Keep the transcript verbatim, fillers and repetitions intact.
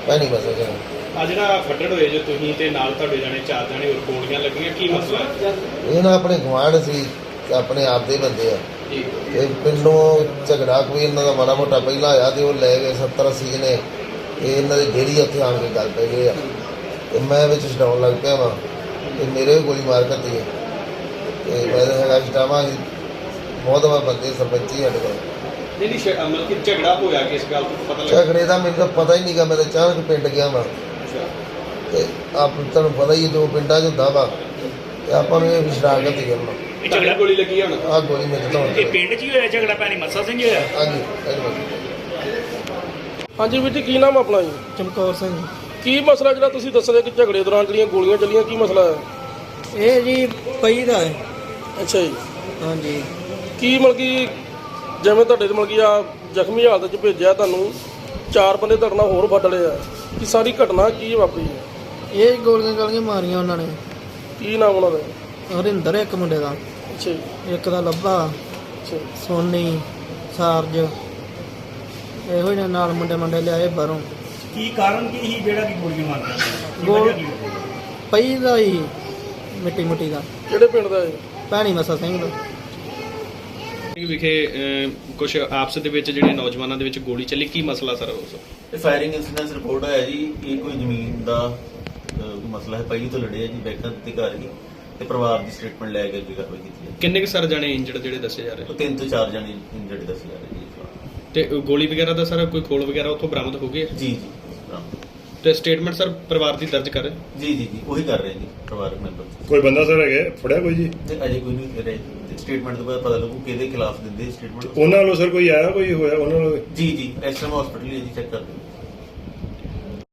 ਭੈਣੀ ਮਸਾ ਸਿੰਘ। ਆ ਜਿਹੜਾ ਫੱਟੜ ਹੋਏ ਜੋ ਤੁਸੀਂ ਤੇ ਨਾਲ ਤੁਹਾਡੇ ਜਾਣੇ ਚਾਰ ਜਾਣੇ ਹੋਰ ਗੋਲੀਆਂ ਲੱਗੀਆਂ, ਕੀ ਮਸਲਾ ਹੈ? ਇਹ ਨਾ ਆਪਣੇ ਗੁਆਂਢ ਸੀ, ਆਪਣੇ ਆਪ ਦੇ ਬੰਦੇ ਆ ਜੀ ਤੇ ਪਿੰਡੋਂ ਝਗੜਾ ਕੋਈ ਇਹਨਾਂ ਦਾ ਮਾੜਾ ਮੋਟਾ ਪਹਿਲਾਂ ਆਇਆ ਤੇ ਉਹ ਲੈ ਗਏ ਸੱਤਰ ਅੱਸੀ ਜਣੇ ਤੇ ਇਹਨਾਂ ਦੇ ਡੇਰੀ ਉੱਥੇ ਆਣ ਕੇ ਗੱਲ ਪੈ ਗਏ ਆ ਤੇ ਮੈਂ ਵਿੱਚ ਛਡਾਉਣ ਲੱਗ ਪਿਆ ਵਾ ਤੇ ਮੇਰੇ ਵੀ ਗੋਲੀ ਮਾਰ ਕਰਤੀ ਹੈ ਤੇ ਮੈਂ ਤਾਂ ਹੈਗਾ ਛਡਾਵਾਂ ਸੀ ਬਹੁਤ ਵਾਰ ਬੰਦੇ ਸਰਪੰਚੀ ਸਾਡੇ ਕੋਲ। ਨਹੀਂ ਨਹੀਂ ਸ਼- ਮਤਲਬ ਕਿ ਝਗੜਾ ਹੋਇਆ ਕਿਸ ਗੱਲ ਤੋਂ ਪਤਾ ਲੱਗਾ? ਝਗੜੇ ਦਾ ਮੈਨੂੰ ਤਾਂ ਪਤਾ ਹੀ ਨਹੀਂ ਗਾ, ਮੈਂ ਤਾਂ ਅਚਾਨਕ ਪਿੰਡ ਗਿਆ ਵਾ ਤੇ ਆਪ ਤੁਹਾਨੂੰ ਪਤਾ ਹੀ ਹੈ ਜੋ ਪਿੰਡਾਂ 'ਚ ਹੁੰਦਾ ਵਾ ਤੇ ਆਪਾਂ ਨੂੰ ਇਹ ਵੀ ਸ਼ਰਾਰਤ ਹੀ ਕਰਨਾ। ਇਹ ਝਗੜਾ ਗੋਲੀ ਲੱਗੀ ਹੁਣ? ਆਹ ਗੋਲੀ ਮੇਰੇ ਤੋਂ ਇਹ ਪਿੰਡ 'ਚ ਹੀ ਹੋਇਆ ਝਗੜਾ, ਭੈਣੀ ਮੱਸਾ ਸਿੰਘ ਹੋਇਆ? ਹਾਂਜੀ ਧੰਨਵਾਦ। ਹਾਂਜੀ ਵੀਰ ਜੀ, ਕੀ ਨਾਮ ਆਪਣਾ ਜੀ? ਚਮਕੌਰ ਸਿੰਘ। ਕੀ ਮਸਲਾ ਜਿਹੜਾ ਤੁਸੀਂ ਦੱਸ ਰਹੇ ਕਿ ਝਗੜੇ ਦੌਰਾਨ ਜਿਹੜੀਆਂ ਗੋਲੀਆਂ ਚੱਲੀਆਂ, ਕੀ ਮਸਲਾ ਹੈ? ਇਹ ਜੀ ਪਈ ਦਾ ਹੈ। ਅੱਛਾ ਜੀ, ਹਾਂਜੀ। ਕੀ ਮਤਲਬ ਕਿ ਜਿਵੇਂ ਤੁਹਾਡੇ ਤੇ ਮਤਲਬ ਕਿ ਆ ਜ਼ਖਮੀ ਹਾਲਤ 'ਚ ਭੇਜਿਆ ਤੁਹਾਨੂੰ, ਚਾਰ ਬੰਦੇ ਤੁਹਾਡੇ ਨਾਲ ਹੋਰ ਫੱਟ ਲਏ ਆ, ਕਿ ਸਾਰੀ ਘਟਨਾ ਕੀ ਵਾਪਰੀ ਹੈ? ਇਹ ਗੋਲੀਆਂ ਗਾਲੀਆਂ ਮਾਰੀਆਂ ਉਹਨਾਂ ਨੇ। ਕੀ ਨਾਮ ਉਹਨਾਂ ਦਾ? ਹਰਿੰਦਰ ਇੱਕ ਮੁੰਡੇ ਦਾ, ਅੱਛਾ ਜੀ, ਇੱਕ ਦਾ ਲੱਭਾ, ਅੱਛਾ ਜੀ। ਸੋਨੀ, ਸਾਰਜ, ਇਹੋ ਜਿਹੇ ਨਾਲ ਮੁੰਡੇ ਮੁੰਡੇ ਲਿਆਏ ਬਾਹਰੋਂ। ਕੀ ਕਾਰਨ ਕੀ ਸੀ ਜਿਹੜਾ ਕਿ ਗੋਲੀਆਂ ਮਾਰਦਾ? ਗੋਲ ਪਈ ਦਾ ਹੀ ਮਿੱਟੀ ਮੁੱਟੀ ਦਾ। ਕਿਹੜੇ ਪਿੰਡ ਦਾ ਹੈ? ਭੈਣੀ ਮਸਾ ਸਿੰਘ ਦਾ। ਵਿਖੇ ਕੁਝ ਆਪਸ ਦੇ ਵਿੱਚ ਜਿਹੜੇ ਨੌਜਵਾਨਾਂ ਦੇ ਵਿੱਚ ਗੋਲੀ ਚੱਲੀ, ਕੀ ਮਸਲਾ ਸਰ ਉਸ? ਇਹ ਫਾਇਰਿੰਗ ਇਨਸੀਡੈਂਟ ਰਿਪੋਰਟ ਆਇਆ ਜੀ। ਇਹ ਕੋਈ ਜ਼ਮੀਨ ਦਾ ਅਹ, ਮਸਲਾ ਹੈ। ਪਹਿਲੀ ਤੋਂ ਲੜੇ ਆ ਜੀ, ਬੈਕਾਂ ਤੇ ਘਰ ਹੀ ਤੇ ਪਰਿਵਾਰ ਦੀ ਸਟੇਟਮੈਂਟ ਲੈ ਕੇ ਅੱਗੇ ਕਾਰਵਾਈ ਕੀਤੀ ਹੈ। ਕਿੰਨੇ ਕੁ ਸਰ ਜਾਣੇ ਇੰਜਰਡ ਜਿਹੜੇ ਦੱਸੇ ਜਾ ਰਹੇ? ਉਹ ਤਿੰਨ ਤੋਂ ਚਾਰ ਜਣੇ ਇੰਜਰਡ ਦੱਸੇ ਜਾ ਰਹੇ ਜੀ। ਤੇ ਗੋਲੀ ਵਗੈਰਾ ਦਾ ਸਰ ਕੋਈ ਖੋਲ ਵਗੈਰਾ ਉੱਥੋਂ ਬਰਾਮਦ ਹੋ ਗਏ? ਜੀ ਜੀ ਤੇ ਸਟੇਟਮੈਂਟ ਸਰ ਪਰਿਵਾਰ ਦੀ ਦਰਜ ਕਰ ਰਹੇ? ਜੀ ਜੀ ਜੀ ਉਹੀ ਕਰ ਰਹੇ ਜੀ ਪਰਿਵਾਰਕ ਮੈਂਬਰ। ਕੋਈ ਬੰਦਾ ਸਰ ਹੈਗਾ ਫੜਿਆ ਕੋਈ ਜੀ? ਤੇ ਅਜੇ ਕੋਈ ਨਹੀਂ ਰਹੇ। ਸਟੇਟਮੈਂਟ ਤੋਂ ਬਾਅਦ ਪਤਾ ਲੱਗੂ ਕਿਹਦੇ ਖਿਲਾਫ ਦਿੰਦੇ ਸਟੇਟਮੈਂਟ। ਉਹਨਾਂ ਵੱਲੋਂ ਸਰ ਕੋਈ ਆਇਆ, ਕੋਈ ਹੋਇਆ ਉਹਨਾਂ ਵੱਲੋਂ? ਜੀ ਜੀ ਐਸਐਮ ਹਸਪੀਟਲ ਜੀ ਚੈੱਕ ਕਰਦੇ।